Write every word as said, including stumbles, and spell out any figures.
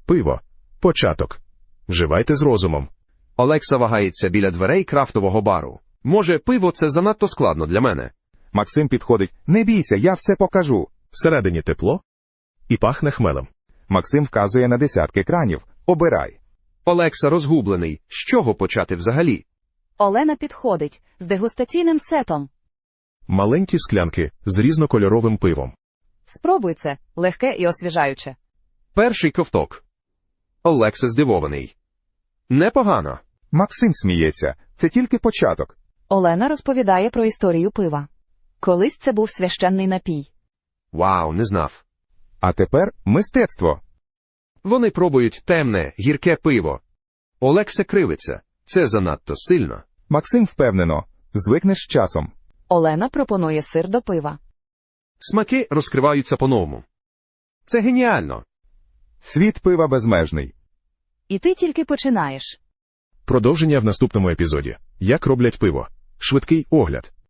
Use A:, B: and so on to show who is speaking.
A: Пиво. Початок. Вживайте з розумом.
B: Олекса вагається біля дверей крафтового бару. Може, пиво – це занадто складно для мене?
C: Максим підходить. Не бійся, я все покажу.
A: Всередині тепло і пахне хмелем.
C: Максим вказує на десятки кранів. Обирай.
B: Олекса розгублений. З чого почати взагалі?
D: Олена підходить з дегустаційним сетом.
A: Маленькі склянки з різнокольоровим пивом.
D: Спробуй це, легке і освіжаюче.
B: Перший ковток. Олекса здивований. Непогано.
C: Максим сміється. Це тільки початок.
D: Олена розповідає про історію пива. Колись це був священний напій.
B: Вау, не знав.
C: А тепер мистецтво.
B: Вони пробують темне, гірке пиво. Олекса кривиться. Це занадто сильно.
C: Максим впевнено. Звикнеш з часом.
D: Олена пропонує сир до пива.
B: Смаки розкриваються по-новому. Це геніально.
C: Світ пива безмежний.
D: І ти тільки починаєш.
A: Продовження в наступному епізоді. Як роблять пиво. Швидкий огляд.